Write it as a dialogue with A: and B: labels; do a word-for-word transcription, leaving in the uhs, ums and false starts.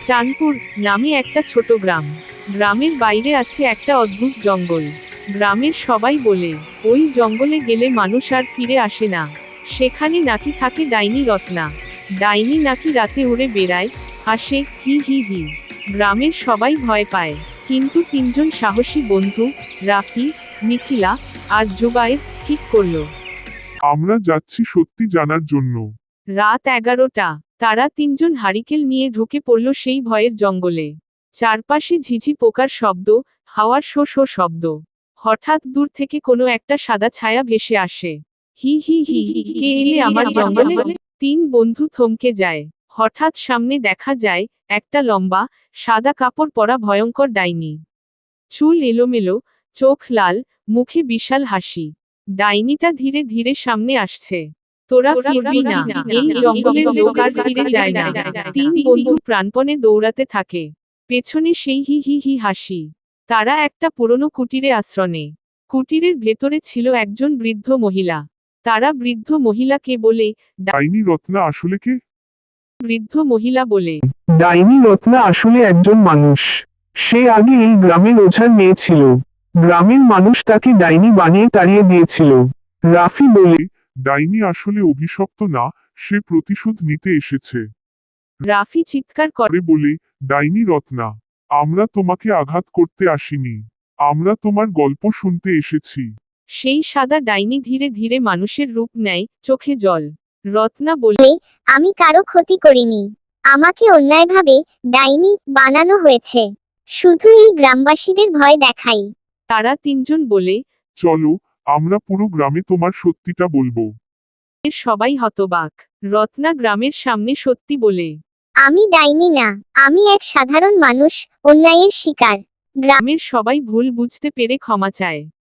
A: চাঁদপুর নামে একটা ছোট গ্রাম। গ্রামের বাইরে আছে একটা অদ্ভুত জঙ্গল। গ্রামের সবাই বলে ওই জঙ্গলে গেলে মানুষ আর ফিরে আসে না। সেখানে নাকি থাকে ডাইনি রত্না। ডাইনি নাকি রাতে উড়ে বেড়ায়, হাসে, হি হি হি। গ্রামের সবাই ভয় পায়, কিন্তু তিনজন সাহসী বন্ধু, রাফি, মিথিলা আর জুবায়ের, ঠিক করলো
B: আমরা যাচ্ছি সত্যি জানার জন্য।
A: রাত এগারোটা। তারা তিনজন হারিকেল নিয়ে ঢুকে পড়ল সেই ভয়ের জঙ্গলে। চারপাশে ঝিঝি পোকার শব্দ, হাওয়ার শো শো শব্দ। হঠাৎ দূর থেকে কোনো একটা সাদা ছায়া ভেসে আসে। হি হি হি হি, কে এলে আমার জঙ্গলে? তিন বন্ধু থমকে যায়। হঠাৎ সামনে দেখা যায় একটা লম্বা, সাদা কাপড় পরা ভয়ঙ্কর ডাইনি। চুল এলোমেলো, চোখ লাল, মুখে বিশাল হাসি। ডাইনিটা ধীরে ধীরে সামনে আসছে। তোরা ফিরবি না, এই জঙ্গলের লোক আর ফিরে যায় না। তিন বন্ধু প্রাণপণে দৌড়াতে থাকে। পেছনে সেই হি হি হি হাসি। তারা একটা পুরনো কুটিরে আশ্রয় নেয়। কুটিরের ভেতরে ছিল একজন বৃদ্ধ মহিলা। তারা বৃদ্ধ মহিলাকে বলে,
B: ডাইনি রত্না আসলে কে?
A: বৃদ্ধ মহিলা বলে,
C: ডাইনি রত্না আসলে একজন মানুষ। সে আগে এই গ্রামের ওঝার মেয়ে ছিল। গ্রামের মানুষ তাকে ডাইনি বানিয়ে তাড়িয়ে দিয়েছিল। রাফি বলে,
B: ডাইনি আসলে অভিশপ্ত না, সে প্রতিশোধ নিতে এসেছে।
A: রাফি চিৎকার করে
B: করে বলে, ডাইনি রত্না, আমরা তোমাকে আঘাত করতে আসিনি, আমরা তোমার গল্প শুনতে এসেছি।
A: সেই সাদা ডাইনি ধীরে ধীরে মানুষের রূপ নেয়, চোখে জল। রত্না বলে,
D: আমি কারো ক্ষতি করিনি, আমাকে অন্যায়ভাবে ডাইনি বানানো হয়েছে, শুধু এই গ্রামবাসীদের ভয় দেখাই।
A: তারা তিনজন বলে,
B: চলো, আমরা পুরো গ্রামে তোমার সত্যিটা বলবো।
A: এর সবাই হতবাক। রত্না গ্রামের সামনে সত্যি বলে,
D: আমি ডাইনি না, আমি এক সাধারণ মানুষ, অন্যায়ের শিকার। গ্রাম
A: গ্রামের সবাই ভুল বুঝতে পেরে ক্ষমা চায়।